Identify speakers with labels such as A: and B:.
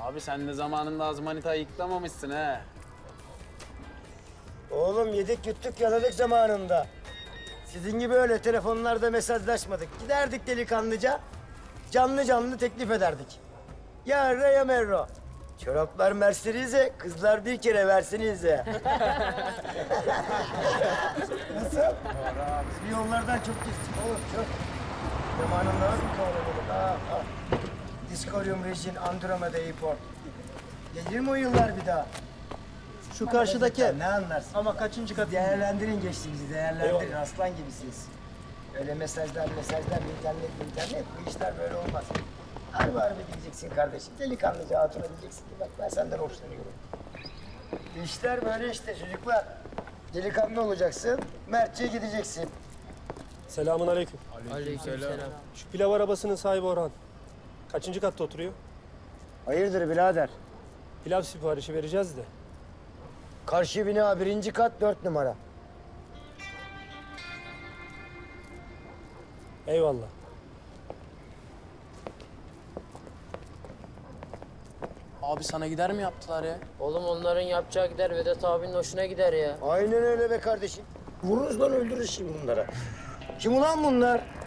A: Abi sen de zamanında az manita yıklamamışsın he.
B: Oğlum yedik yuttuk yaladık zamanında. Sizin gibi öyle telefonlarda mesajlaşmadık. Giderdik delikanlıca, canlı canlı teklif ederdik. Ya re ya merro. Çoraplar Mercedes'e, kızlar bir kere versenize. Nasıl? Biz bir yollardan çok geçtik oğlum, çok. Zamanında nasıl kovaladık? Ha. Discorium Region Andromeda Airport. Gelir mi o yıllar bir daha?
C: Şu karşıdaki.
B: Ne anlarsın?
C: Ama kaçıncı kat?
B: Değerlendirin geçtiğinizi, değerlendirin. Aslan gibisiniz. Öyle mesajlar, internet. Bu işler böyle olmaz. Harbi diyeceksin kardeşim. Delikanlıca hatuna diyeceksin ki bak ben senden hoşlanıyorum. İşler böyle işte çocuklar. Delikanlı olacaksın, mertçe gideceksin.
D: Selamun aleyküm.
E: Aleykümselam.
D: Şu pilav arabasının sahibi Orhan. Kaçıncı katta oturuyor?
B: Hayırdır birader?
D: Pilav siparişi vereceğiz de.
B: Karşı bina 1. kat 4 numara.
D: Eyvallah.
E: Abi sana gider mi yaptılar ya?
F: Oğlum onların yapacağı gider, Vedat abinin hoşuna gider ya.
B: Aynen öyle be kardeşim. Vururuz lan öldürürüz şimdi bunlara. Kim ulan bunlar?